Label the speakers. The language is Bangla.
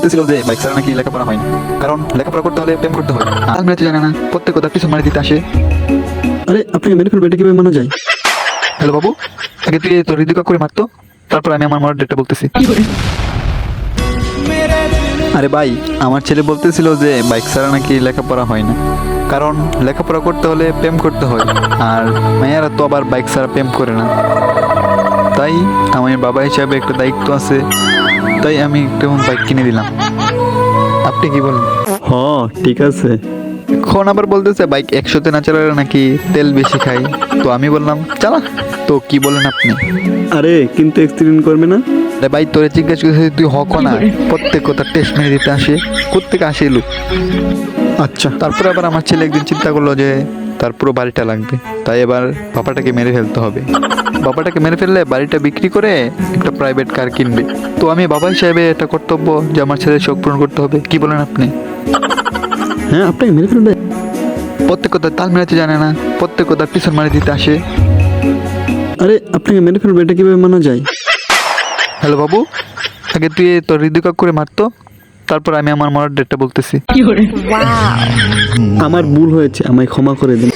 Speaker 1: বলতেছিল যে বাইক ছাড়া নাকি লেখাপড়া হয় না, কারণ লেখাপড়া করতে হলে প্রেম করতে হয়। আর মেয়ে তো জানে না, প্রত্যেক কথা পিছন মারি দিতে আসে।
Speaker 2: আরে আপনাকে মেরে ফেলবো, এটা কিভাবে মানা যায়?
Speaker 1: হ্যালো বাবু, আগে তুই তোর হৃদয় করে মারতো, তারপর আমি আমার মরার ডেটটা বলতেছি। আরে ভাই, আমার ছেলে বলতেছিল যে বাইক ছাড়া নাকি লেখাপড়া হয় না, কারণ লেখাপড়া করতে হলে প্রেম করতে হয়। আর মেয়েরা তো আবার বাইক ছাড়া প্রেম করে না। তাই আমার বাবা হিসাবে একটা দায়িত্ব আছে, তাই আমি একটা বাইক কিনে দিলাম। আপনি কি বলেন?
Speaker 2: হ, ঠিক আছে।
Speaker 1: এখন আবার বলতেছে বাইক 100-তে না চালালে নাকি তেল বেশি খাই। তো আমি বললাম চালা। তো কি বলেন আপনি?
Speaker 2: আরে কিন্তু এক্সিডেন্ট করবে না?
Speaker 1: আরে ভাই, তোরে জিজ্ঞেস করছিস, তুই হক না। প্রত্যেক কথা টেস্ট মেরে দিতে আসে, কোত্থেকে আসে লোক।
Speaker 2: আচ্ছা,
Speaker 1: তারপরে আবার আমার ছেলে একদিন চিন্তা করলো যে তার পুরো বাড়িটা লাগবে, তাই এবার বাবাটাকে মেরে ফেলতে হবে। বাবাটাকে মেরে ফেললে বাড়িটা বিক্রি করে একটা প্রাইভেট কার কিনবে। তো আমি বাবা হিসাবে এটা কর্তব্য যে আমার ছেলের শখ পূরণ করতে হবে। কি বলেন আপনি?
Speaker 2: হ্যাঁ আপনাকে মেরে ফেলবে?
Speaker 1: প্রত্যেক কথা তাল মেলাতে জানে না, প্রত্যেক কথা পিছন মারি দিতে আসে।
Speaker 2: আরে আপনাকে মেরে ফেলবে, এটা কিভাবে মানা যায়?
Speaker 1: হ্যালো বাবু, আগে তুই তোর হৃদয় করে মারতো, তারপর আমি আমার মরার ডেটটা বলতেছি।
Speaker 2: আমার ভুল হয়েছে, আমায় ক্ষমা করে দিন।